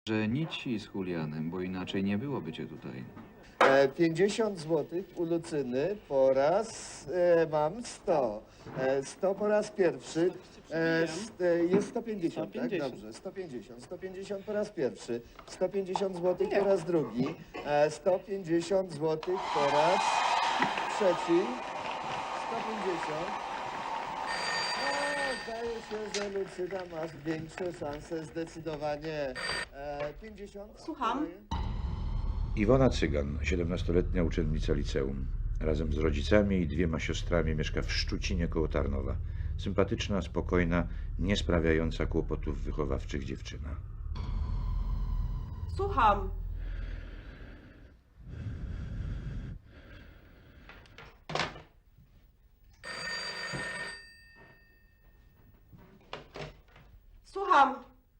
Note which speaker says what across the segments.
Speaker 1: że nici z Julianem, bo inaczej nie byłoby cię tutaj.
Speaker 2: 50 zł u Lucyny po raz mam 100. 100 po raz pierwszy. Jest 150,
Speaker 3: 150.
Speaker 2: tak? Dobrze, 150. 150 po raz pierwszy. 150 zł po raz drugi. 150 zł po raz trzeci. 150. Zdaje się, że Lucyna masz większe szanse zdecydowanie. 50.
Speaker 3: Słucham?
Speaker 4: Iwona Cygan, 17-letnia uczennica liceum. Razem z rodzicami i 2 siostrami mieszka w Szczucinie koło Tarnowa. Sympatyczna, spokojna, nie sprawiająca kłopotów wychowawczych dziewczyna.
Speaker 3: Słucham. Słucham.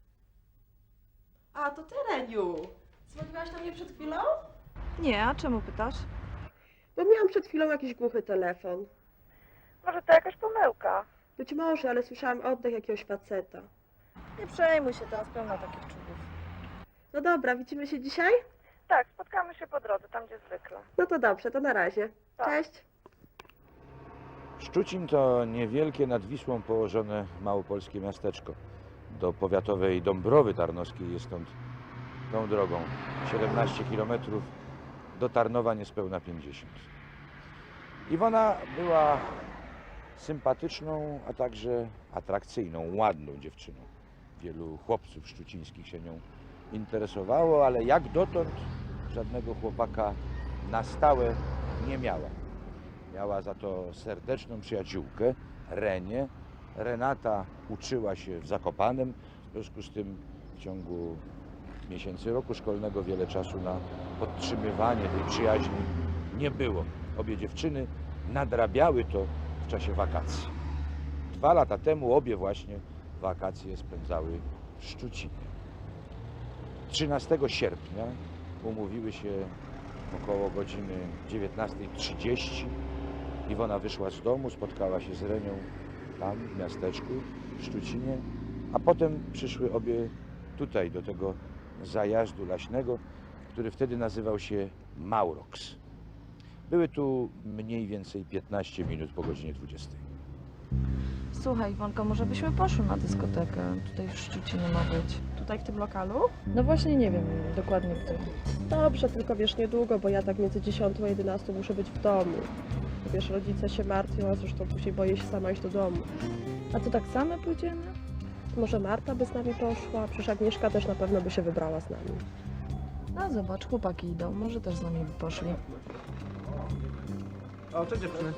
Speaker 3: A, to ty, Reniu. Dzwoniłaś do mnie przed chwilą?
Speaker 5: Nie, a czemu pytasz?
Speaker 3: Bo miałam przed chwilą jakiś głuchy telefon.
Speaker 5: Może to jakaś pomyłka.
Speaker 3: Być może, ale słyszałam oddech jakiegoś faceta.
Speaker 5: Nie przejmuj się, teraz pełno takich czubów.
Speaker 3: No dobra, widzimy się dzisiaj?
Speaker 5: Tak, spotkamy się po drodze, tam gdzie zwykle.
Speaker 3: No to dobrze, to na razie.
Speaker 5: Tak.
Speaker 3: Cześć.
Speaker 4: Szczucin to niewielkie nad Wisłą położone małopolskie miasteczko. Do powiatowej Dąbrowy Tarnowskiej jest stąd tą drogą 17 km, do Tarnowa niespełna 50. Iwona była sympatyczną, a także atrakcyjną, ładną dziewczyną. Wielu chłopców szczucińskich się nią interesowało, ale jak dotąd żadnego chłopaka na stałe nie miała. Miała za to serdeczną przyjaciółkę, Renię. Renata uczyła się w Zakopanem, w związku z tym w ciągu miesięcy roku szkolnego wiele czasu na podtrzymywanie tej przyjaźni nie było. Obie dziewczyny nadrabiały to w czasie wakacji. 2 lata temu obie właśnie wakacje spędzały w Szczucinie. 13 sierpnia umówiły się około godziny 19:30. Iwona wyszła z domu, spotkała się z Renią tam w miasteczku, w Szczucinie, a potem przyszły obie tutaj do tego zajazdu leśnego, który wtedy nazywał się Mauroks. Były tu mniej więcej 15 minut po godzinie 20.
Speaker 5: Słuchaj, Iwonko, może byśmy poszły na dyskotekę. Tutaj w Szczucinie ma być.
Speaker 3: Tutaj w tym lokalu?
Speaker 5: No właśnie nie wiem dokładnie gdzie.
Speaker 3: Dobrze, tylko wiesz, niedługo, bo ja tak między 10 a 11 muszę być w domu. Wiesz, rodzice się martwią, a zresztą później boję się sama iść do domu.
Speaker 5: A to tak same pójdziemy?
Speaker 3: Może Marta by z nami poszła? Przecież Agnieszka też na pewno by się wybrała z nami.
Speaker 5: No zobacz, chłopaki idą. Może też z nami by poszli.
Speaker 6: O, cześć dziewczyny.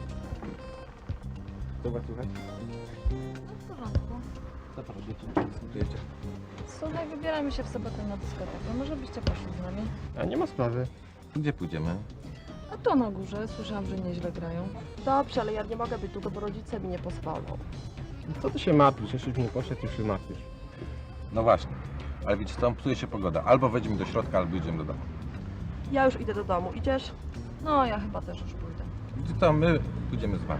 Speaker 6: Co was słychać?
Speaker 5: No w porządku.
Speaker 6: Co pan dziewczyny dyskutujecie?
Speaker 5: Słuchaj, wybieramy się w sobotę na dyskotekę. Może byście poszli z nami?
Speaker 6: A nie ma sprawy. Gdzie pójdziemy?
Speaker 5: A to na górze. Słyszałam, że nieźle grają.
Speaker 3: Dobrze, ale ja nie mogę być długo, bo rodzice mi nie pozwolą.
Speaker 6: Co ty się martwisz? Jeśli już nie poszedł, już się martwisz. No właśnie. Ale widzicie co, psuje się pogoda. Albo wejdziemy do środka, albo idziemy do domu.
Speaker 3: Ja już idę do domu. Idziesz?
Speaker 5: No, ja chyba też już pójdę.
Speaker 6: Gdzie to my pójdziemy z wami.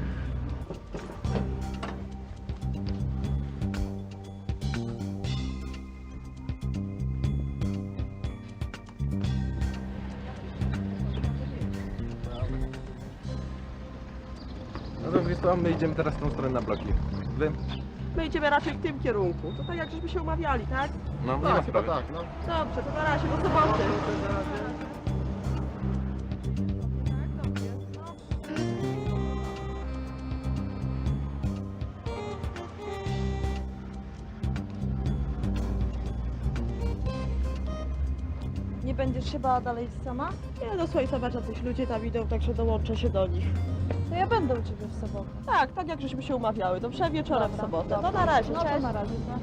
Speaker 6: No to wiesz co, my idziemy teraz w tą stronę na bloki. Wy?
Speaker 3: My idziemy raczej w tym kierunku. To tak jak żeśmy się umawiali, tak?
Speaker 6: No, nie ma sprawy.
Speaker 3: Dobrze, to na razie, do soboty.
Speaker 5: Nie będziesz się bała dalej sama?
Speaker 3: Nie, no słuchaj, zobacz, jacyś ludzie tam idą, także dołączę się do nich.
Speaker 5: To ja będę u ciebie w sobotę.
Speaker 3: Tak, tak jak żeśmy się umawiały. Dobrze, wieczorem w
Speaker 5: Dobra,
Speaker 3: sobotę.
Speaker 5: dobra.
Speaker 3: To na razie,
Speaker 5: No
Speaker 3: cześć.
Speaker 5: to na razie, tak?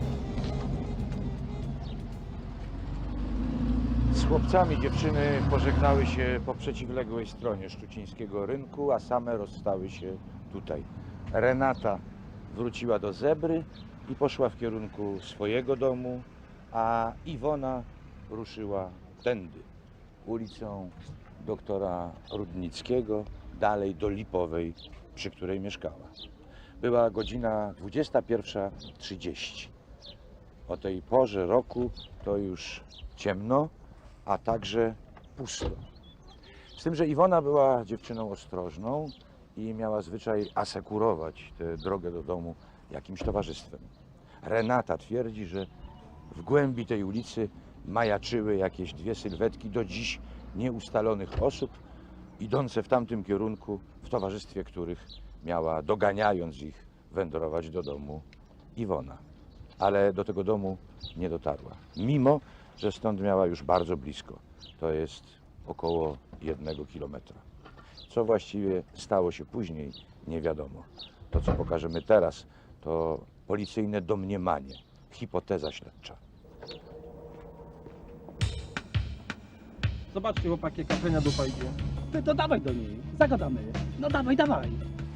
Speaker 4: Z chłopcami dziewczyny pożegnały się po przeciwległej stronie szczucińskiego rynku, a same rozstały się tutaj. Renata wróciła do Zebry i poszła w kierunku swojego domu, a Iwona ruszyła tędy, ulicą doktora Rudnickiego, dalej do Lipowej, przy której mieszkała. Była godzina 21:30. O tej porze roku to już ciemno, a także pusto. Z tym, że Iwona była dziewczyną ostrożną i miała zwyczaj asekurować tę drogę do domu jakimś towarzystwem. Renata twierdzi, że w głębi tej ulicy majaczyły jakieś dwie sylwetki do dziś nieustalonych osób, idące w tamtym kierunku, w towarzystwie których miała, doganiając ich, wędrować do domu Iwona. Ale do tego domu nie dotarła, mimo że stąd miała już bardzo blisko. To jest około 1 kilometra. Co właściwie stało się później, nie wiadomo. To, co pokażemy teraz, to policyjne domniemanie, hipoteza śledcza.
Speaker 7: Zobaczcie, chłopaki, jaka frenia dupa idzie. Ty to dawaj do niej, zagadamy. No dawaj, dawaj.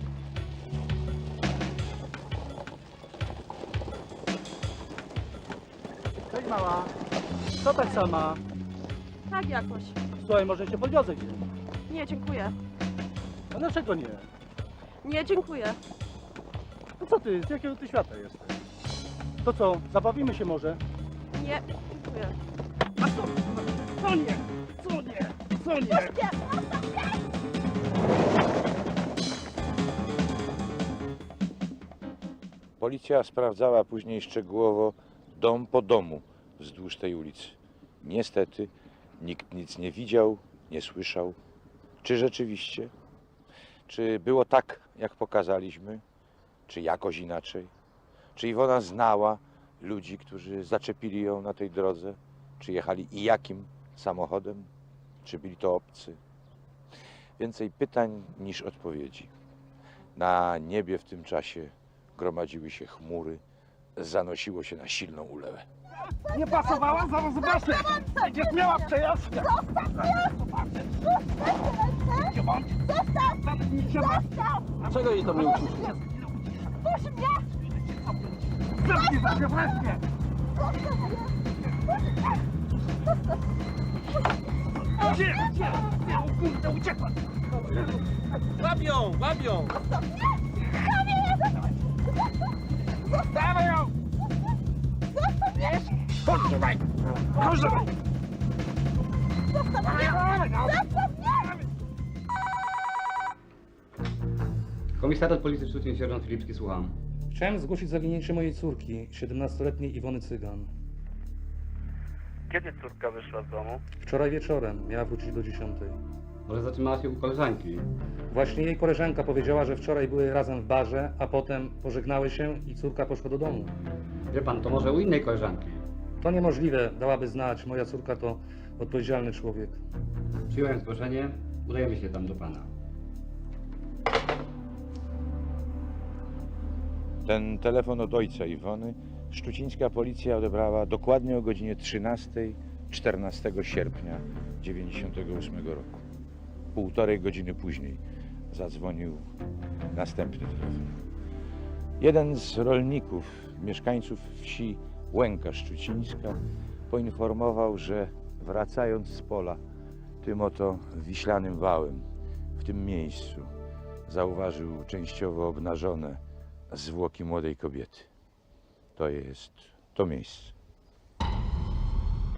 Speaker 7: Cześć mała. Co tak sama?
Speaker 3: Tak jakoś.
Speaker 7: Słuchaj, może cię podwiozę gdzieś.
Speaker 3: Nie, dziękuję.
Speaker 7: A dlaczego nie?
Speaker 3: Nie, dziękuję.
Speaker 7: No co ty, z jakiego ty świata jesteś? To co, zabawimy się może?
Speaker 3: Nie, dziękuję.
Speaker 7: A co? Co nie? Co nie? Co nie?
Speaker 4: Policja sprawdzała później szczegółowo dom po domu wzdłuż tej ulicy. Niestety nikt nic nie widział, nie słyszał. Czy rzeczywiście? Czy było tak, jak pokazaliśmy? Czy jakoś inaczej? Czy Iwona znała ludzi, którzy zaczepili ją na tej drodze? Czy jechali i jakim samochodem? Czy byli to obcy? Więcej pytań niż odpowiedzi. Na niebie w tym czasie gromadziły się chmury, zanosiło się na silną ulewę.
Speaker 7: Nie pasowała? Zaraz zobaczę. Będziesz miała przejażdżkę. Dlaczego jej tam nie uczysz?
Speaker 8: Puść mnie!
Speaker 7: Zamknij się wreszcie! Gdzie? O kurde, uciekła! Łapią! Łapią! Dawaj ją! Chodź tutaj! Chodź tutaj!
Speaker 9: Komisariat Policji Szczucin, sierżant Filipski, słucham.
Speaker 10: Chciałem zgłosić zaginięcie mojej córki, 17-letniej Iwony Cygan.
Speaker 11: Kiedy córka wyszła z domu?
Speaker 10: Wczoraj wieczorem, miała wrócić do 10.
Speaker 9: Może zatrzymała się u koleżanki?
Speaker 10: Właśnie jej koleżanka powiedziała, że wczoraj były razem w barze, a potem pożegnały się i córka poszła do domu.
Speaker 9: Wie pan, to może u innej koleżanki.
Speaker 10: To niemożliwe, dałaby znać, moja córka to odpowiedzialny człowiek.
Speaker 9: Przyjąłem zgłoszenie, udajemy się tam do pana.
Speaker 4: Ten telefon od ojca Iwony szczucińska policja odebrała dokładnie o godzinie 13, 14 sierpnia 1998 roku. 1,5 godziny później zadzwonił następny telefon. Jeden z rolników, mieszkańców wsi Łęka Szczucińska, poinformował, że wracając z pola tym oto wiślanym wałem, w tym miejscu zauważył częściowo obnażone zwłoki młodej kobiety. To jest to miejsce.